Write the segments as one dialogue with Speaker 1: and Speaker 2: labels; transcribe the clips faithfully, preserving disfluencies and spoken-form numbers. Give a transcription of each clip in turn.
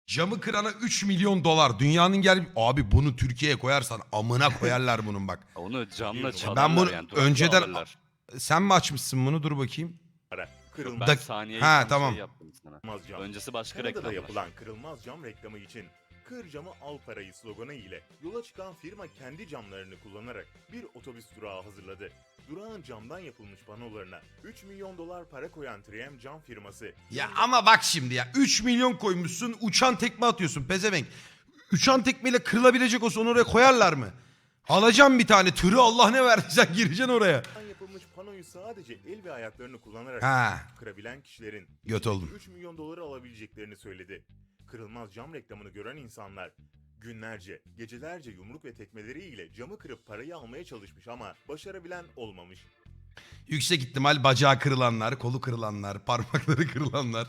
Speaker 1: Camı kırana üç milyon dolar. Dünyanın gel... Abi bunu Türkiye'ye koyarsan amına koyarlar bunun bak.
Speaker 2: Onu camla
Speaker 3: Ben
Speaker 2: çalarlar
Speaker 1: Ben bunu
Speaker 2: yani. Durakla
Speaker 1: önceden...
Speaker 2: alırlar.
Speaker 1: Sen mi açmışsın bunu? Dur bakayım.
Speaker 2: Yok,
Speaker 3: Kırılmaz
Speaker 2: ben
Speaker 1: Dak-
Speaker 2: saniyeyi
Speaker 1: Ha,
Speaker 2: tam
Speaker 1: tamam.
Speaker 2: şey yaptım sana.
Speaker 3: cam.
Speaker 2: Öncesi başka
Speaker 3: Kanada'da
Speaker 2: reklamlar.
Speaker 3: yapılan kırılmaz cam reklamı için "Kır camı al parayı" sloganı ile yola çıkan firma kendi camlarını kullanarak bir otobüs durağı hazırladı. Durağın camdan yapılmış panolarına üç milyon dolar para koyan üç M cam firması.
Speaker 1: Ya ama bak şimdi ya. üç milyon koymuşsun, uçan tekme atıyorsun pezevenk. Uçan tekmeyle kırılabilecek olsa onu oraya koyarlar mı? Alacağım bir tane tırı, Allah ne verdiyse gireceksin oraya.
Speaker 3: Camdan yapılmış panoyu sadece el ve ayaklarını kullanarak
Speaker 1: Ha,
Speaker 3: kırabilen kişilerin
Speaker 1: göt oldum.
Speaker 3: üç milyon doları alabileceklerini söyledi. Kırılmaz cam reklamını gören insanlar günlerce, gecelerce yumruk ve tekmeleriyle camı kırıp parayı almaya çalışmış ama başarabilen olmamış.
Speaker 1: Yüksek ihtimal bacağı kırılanlar, kolu kırılanlar, parmakları kırılanlar.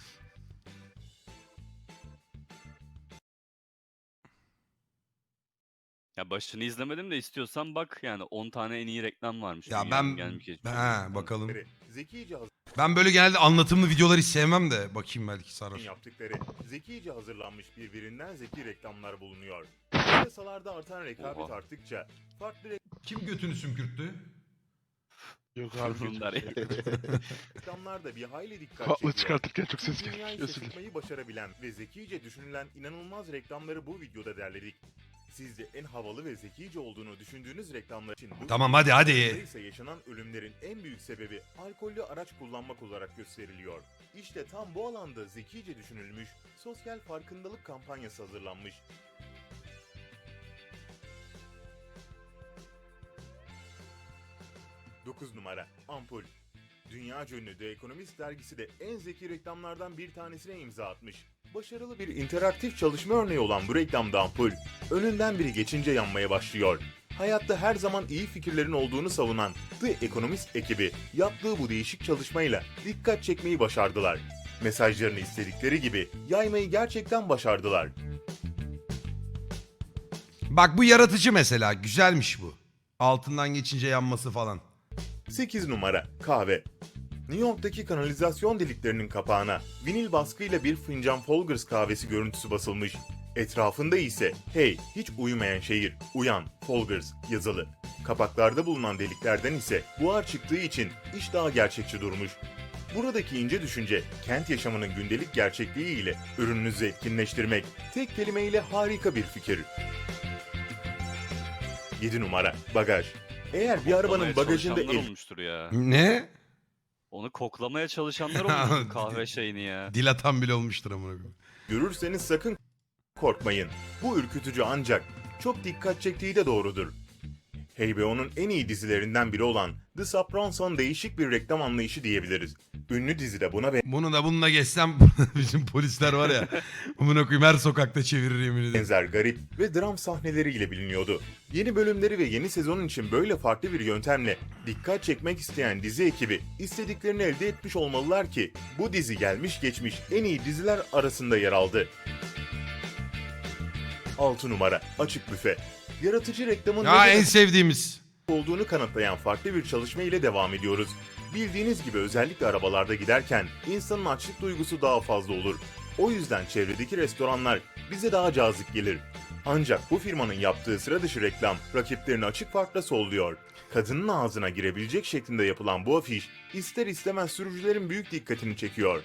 Speaker 2: Ya başını izlemedim de istiyorsan bak yani on tane en iyi reklam varmış.
Speaker 1: Ya
Speaker 2: dünyanın
Speaker 1: ben...
Speaker 2: gelmiş geçmiş
Speaker 1: Ha,
Speaker 2: reklamları.
Speaker 1: bakalım.
Speaker 3: Zekice
Speaker 1: Ben böyle genelde anlatımlı videoları hiç sevmem de. Bakayım belki sarar.
Speaker 3: yaptıkları zekice hazırlanmış birbirinden zeki reklamlar bulunuyor. Piyasalarda artan rekabet
Speaker 2: Oha.
Speaker 3: arttıkça farklı
Speaker 1: Kim götünü sümkürttü?
Speaker 4: Yok abi.
Speaker 2: Bunlar ya.
Speaker 3: reklamlar da bir hayli dikkat
Speaker 4: Kulaklığı
Speaker 3: çekiyor.
Speaker 4: çıkartırken çok ses
Speaker 3: Dünyayı
Speaker 4: gelmiş. Özür dilerim.
Speaker 3: şaşırtmayı başarabilen ve zekice düşünülen inanılmaz reklamları bu videoda derledik. Sizce en havalı ve zekice olduğunu düşündüğünüz reklamlar için bu
Speaker 1: Tamam, hadi, hadi.
Speaker 3: videoda ise yaşanan ölümlerin en büyük sebebi alkollü araç kullanmak olarak gösteriliyor. İşte tam bu alanda zekice düşünülmüş sosyal farkındalık kampanyası hazırlanmış. dokuz numara ampul. Dünyaca ünlü The Economist dergisi de en zeki reklamlardan bir tanesine imza atmış. Başarılı bir interaktif çalışma örneği olan bu reklamda ampul, önünden biri geçince yanmaya başlıyor. Hayatta her zaman iyi fikirlerin olduğunu savunan The Economist ekibi yaptığı bu değişik çalışmayla dikkat çekmeyi başardılar. Mesajlarını istedikleri gibi yaymayı gerçekten başardılar.
Speaker 1: Bak bu yaratıcı mesela. Güzelmiş bu. Altından geçince yanması falan.
Speaker 3: sekiz numara kahve. New York'taki kanalizasyon deliklerinin kapağına vinil baskıyla bir fincan Folgers kahvesi görüntüsü basılmış. Etrafında ise "Hey, hiç uyumayan şehir, uyan, Folgers" yazılı. Kapaklarda bulunan deliklerden ise buhar çıktığı için iş daha gerçekçi durmuş. Buradaki ince düşünce, kent yaşamının gündelik gerçekliği ile ürününüzü etkinleştirmek tek kelimeyle harika bir fikir. yedi numara bagaj. Eğer bir arabanın
Speaker 2: Koklamaya
Speaker 3: bagajında
Speaker 2: çalışanlar
Speaker 3: el
Speaker 2: olmuştur ya.
Speaker 1: Ne?
Speaker 2: Onu koklamaya çalışanlar olmuştur kahve şeyini ya.
Speaker 1: Dil atan bile olmuştur amına koyayım.
Speaker 3: görürseniz sakın korkmayın. Bu ürkütücü ancak çok dikkat çektiği de doğrudur. H B O'nun en iyi dizilerinden biri olan The Sopranos'un değişik bir reklam anlayışı diyebiliriz. Ünlü dizide buna
Speaker 1: Bunu da bununla geçsem bizim polisler var ya. Amına koyayım her sokakta çevirir yemin ederim.
Speaker 3: benzer garip ve dram sahneleriyle biliniyordu. Yeni bölümleri ve yeni sezonun için böyle farklı bir yöntemle dikkat çekmek isteyen dizi ekibi istediklerini elde etmiş olmalılar ki bu dizi gelmiş geçmiş en iyi diziler arasında yer aldı. altı numara açık büfe. Yaratıcı reklamın
Speaker 1: Ya
Speaker 3: neden
Speaker 1: en sevdiğimiz.
Speaker 3: olduğunu kanıtlayan farklı bir çalışma ile devam ediyoruz. Bildiğiniz gibi özellikle arabalarda giderken insanın açlık duygusu daha fazla olur. O yüzden çevredeki restoranlar bize daha cazip gelir. Ancak bu firmanın yaptığı sıra dışı reklam rakiplerini açık farkla solluyor. Kadının ağzına girebilecek şeklinde yapılan bu afiş ister istemez sürücülerin büyük dikkatini çekiyor.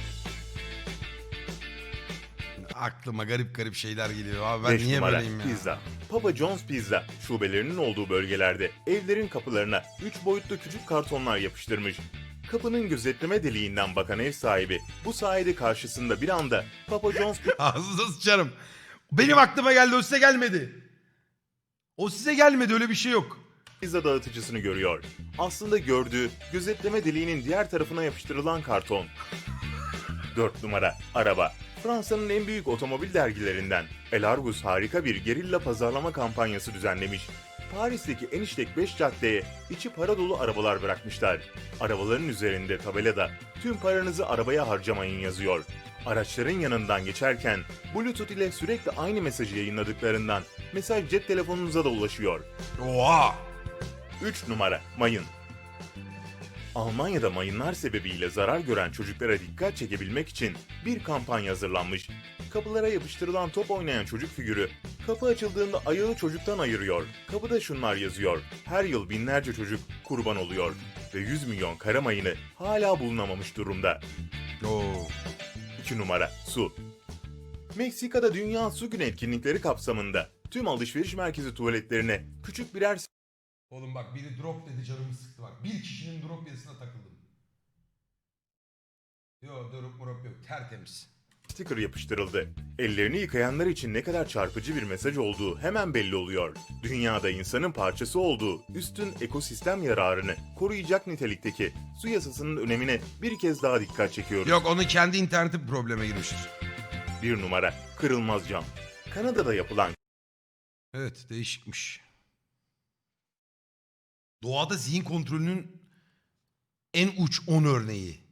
Speaker 1: Aklıma garip garip şeyler geliyor. Abi ben
Speaker 3: beş
Speaker 1: niye
Speaker 3: numara
Speaker 1: böyleyim ya?
Speaker 3: pizza. Papa John's Pizza şubelerinin olduğu bölgelerde evlerin kapılarına üç boyutlu küçük kartonlar yapıştırmış. Kapının gözetleme deliğinden bakan ev sahibi bu sayede karşısında bir anda Papa John's
Speaker 1: Ağzınıza sıçarım. Benim aklıma geldi, o size gelmedi. O size gelmedi, öyle bir şey yok.
Speaker 3: pizza dağıtıcısını görüyor. Aslında gördüğü gözetleme deliğinin diğer tarafına yapıştırılan karton. dört numara araba. Fransa'nın en büyük otomobil dergilerinden El Argus harika bir gerilla pazarlama kampanyası düzenlemiş. Paris'teki en işlek beş caddeye içi para dolu arabalar bırakmışlar. Arabaların üzerinde tabelada "Tüm paranızı arabaya harcamayın" yazıyor. Araçların yanından geçerken Bluetooth ile sürekli aynı mesajı yayınladıklarından mesaj cep telefonunuza da ulaşıyor.
Speaker 1: Oha!
Speaker 3: üç numara mayın. Almanya'da mayınlar sebebiyle zarar gören çocuklara dikkat çekebilmek için bir kampanya hazırlanmış. Kapılara yapıştırılan top oynayan çocuk figürü, kapı açıldığında ayağı çocuktan ayırıyor. Kapıda şunlar yazıyor: her yıl binlerce çocuk kurban oluyor ve yüz milyon kara mayını hala bulunamamış durumda.
Speaker 1: Oo.
Speaker 3: iki numara su. Meksika'da Dünya Su Günü etkinlikleri kapsamında tüm alışveriş merkezi tuvaletlerine küçük birer
Speaker 1: Oğlum bak biri drop dedi canımı sıktı bak. Bir kişinin drop yazısına takıldım. Yok drop murop yok tertemiz.
Speaker 3: sticker yapıştırıldı. Ellerini yıkayanlar için ne kadar çarpıcı bir mesaj olduğu hemen belli oluyor. Dünyada insanın parçası olduğu üstün ekosistem yararını koruyacak nitelikteki su yasasının önemine bir kez daha dikkat çekiyoruz.
Speaker 1: Yok onun kendi interneti probleme girmiştir.
Speaker 3: Bir numara kırılmaz cam. Kanada'da yapılan
Speaker 1: Evet değişikmiş. Doğada zihin kontrolünün en uç on örneği.